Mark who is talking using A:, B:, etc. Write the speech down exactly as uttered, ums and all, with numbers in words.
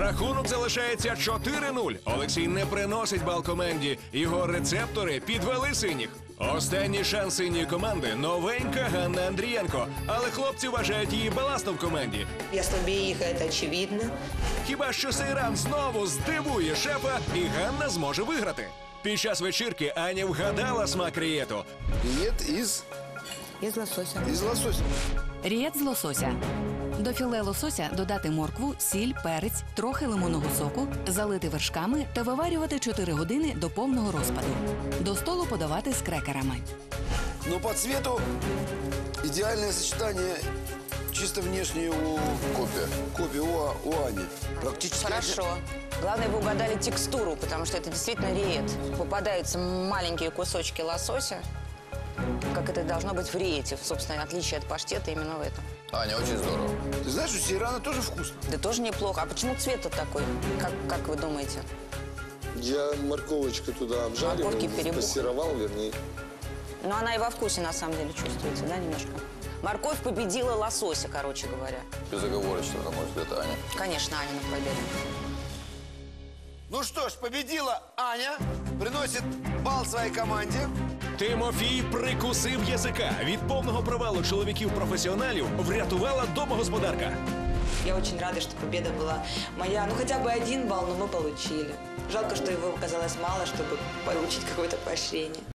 A: Рахунок залишається чотири нуль. Олексій не приносить бал команді. Його рецептори підвели синіх. Останній шанс синьої команди – новенька Ганна Андрієнко. Але хлопці вважають її баластом в команді.
B: Я слабее их, это очевидно.
A: Хіба що цей раунд знову здивує шефа, і Ганна зможе виграти. Під час вечірки Аня вгадала смак рієту.
C: Рієт із...
B: Из лосося.
C: із лосося.
D: Рієт з лосося. До філе лосося додати моркву, сіль, перець, трохи лимонного соку, залити вершками та виварювати чотири години до повного розпаду. До столу подавати з крекерами.
C: Но по цвету идеальное сочетание чисто внешне у Копи. Копи у, у Ани. Практически...
E: Хорошо. Главное, вы угадали текстуру, потому что это действительно риет. Попадаются маленькие кусочки лосося, как это должно быть в риете. Собственно, отличие от паштета именно в этом.
F: Аня, очень здорово.
C: Ты знаешь, у сейрана тоже вкусно.
E: Да тоже неплохо. А почему цвет вот такой? Как, как вы думаете?
G: Я морковочку туда обжарил,
E: Морковки перебух.
G: пассеровал, вернее.
E: Ну, она и во вкусе, на самом деле, чувствуется, да, немножко? Морковь победила лосося, короче говоря.
F: Безоговорочно, на мой взгляд, Аня.
E: Конечно, Аня на победу.
C: Ну что ж, победила Аня. Приносит бал своей команде.
A: Тимофій прикусив язика. Від повного провалу чоловіків-професіоналів врятувала домогосподарка.
B: Я очень рада, что победа была моя. Ну, хотя бы один балл, но мы получили. Жалко, что его оказалось мало, чтобы получить какое-то поощрение.